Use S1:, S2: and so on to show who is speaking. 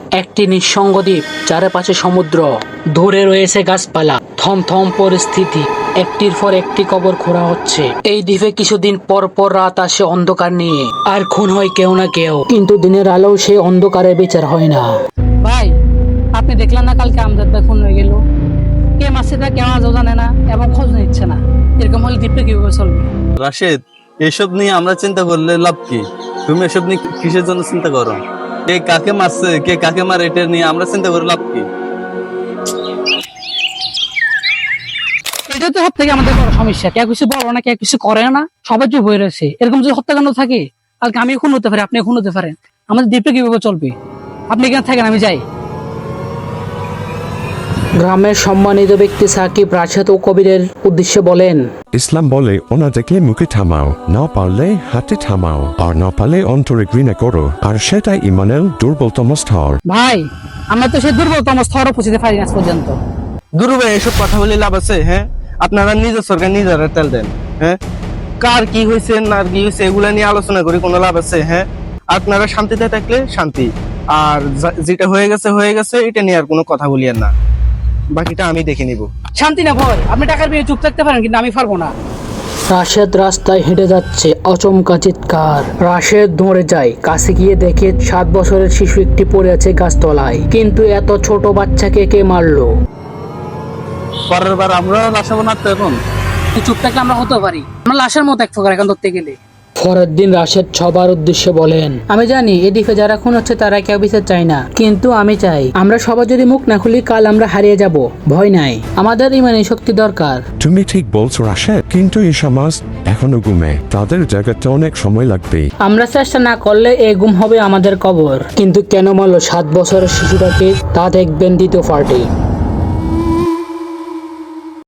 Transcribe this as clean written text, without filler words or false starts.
S1: একটি নিঃসঙ্গ দ্বীপ, চারপাশে সমুদ্র, দূরে রয়েছে গাছপালা, থমথম পরিস্থিতি। একটির পর একটি কবর খোঁড়া হচ্ছে। এই দ্বীপে কিছুদিন পর পর রাত আসে অন্ধকার নিয়ে, আর খুন হয় কেউ না কেউ, কিন্তু দিনের আলো সেই অন্ধকারে বিচার হয় না।
S2: ভাই, আপনি দেখলেন না কালকে আমজাদ ভাই খুন হয়ে গেল? কে মাসে তা কেউ আজও জানে না এবং খোঁজ নিচ্ছে না। এরকম হলে দ্বীপটা কিভাবে চলবে?
S3: রাশেদ, এসব নিয়ে আমরা চিন্তা করলে লাভ কি? তুমি এসব নিয়ে কিসের জন্য চিন্তা করো? কে কাকে মারছে, কে কাকে মারে, এটা নিয়ে আমরা চিন্তা করে লাভ কি?
S2: এটা তো সব থেকে আমাদের বড় সমস্যা। কে কিছু বলো না, কে কিছু করে না, সবাই চুপ হয়ে রয়েছে। এরকম যদি হত্যাকাণ্ড থাকে, কালকে আমি খুন হতে পারি, আপনি খুন হতে পারেন, আমাদের দ্বীপটা কিভাবে চলবে? আপনি এখানে থাকেন, আমি যাই।
S1: গ্রামের সম্মানিত ব্যক্তি সাকিব রাশেদ ও কবিরের উদ্দেশ্যে বলেন,
S4: ইসলাম বলে ওনাদেরকে মুখে থামাও, না পারলে হাতে থামাও, আর না পারলে অন্তরে ঘৃণা করো, আর সেটাই ইমানের দুর্বলতম স্তর।
S2: ভাই, আমরা তো সেই দুর্বলতম স্তরে পৌঁছতে পারি না আজ পর্যন্ত।
S5: দুরু ভাই, এসব কথা বলে লাভ আছে? হ্যাঁ, আপনারা নিজের সরকার নিজেরা তেল দেন। হ্যাঁ, কার কি হয়েছে না কি হয়েছে এগুলা নিয়ে আলোচনা করে কোনো লাভ আছে? হ্যাঁ, আপনারা শান্তিতে থাকলে শান্তি, আর যেটা হয়ে গেছে এটা নিয়ে আর কোনো কথা বলিয়েন না, বাকিটা আমি দেখে নিব।
S2: শান্তি না ভয়, আপনি টাকার বিয়ে চুপ থাকতে পারেন, কিন্তু আমি পারবো না।
S1: রাশেদ রাস্তায় হেঁটে যাচ্ছে, অচমকা চিৎকার। রাশেদ দৌড়ে যায়, কাছে গিয়ে দেখে 7 বছরের শিশু একটি পড়ে আছে গাছতলায়। কিন্তু এত ছোট বাচ্চাকে কে মারলো?
S3: পরের বার আমরা লাশাবো না তো এখন।
S2: তুই চুপ থাকলে আমরা হতে পারি, আমরা লাশের মতো এক প্রকার এখন ধরতে গেলে।
S1: পরের দিন রাশেদ সবার উদ্দেশ্যে বলেন, আমি জানি এই দ্বীপে যারা খুন হচ্ছে তারা কেউ বিচার চায় না, কিন্তু আমি চাই আমরা সবাই যদি মুখ না খুলি কাল আমরা হারিয়ে যাব। ভয় নাই, আমাদের ইমানি শক্তি দরকার।
S4: তুমি ঠিক বলছো রাশেদ, কিন্তু এই সমাজ এখনো ঘুমে, তাদের জায়গাতে অনেক সময় লাগবে।
S1: আমরা চেষ্টা না করলে এই গুম হবে আমাদের কবর। কিন্তু কেন মারলো 7 বছরের শিশুটাকে, তা দেখবেন দ্বিতীয় পার্টি।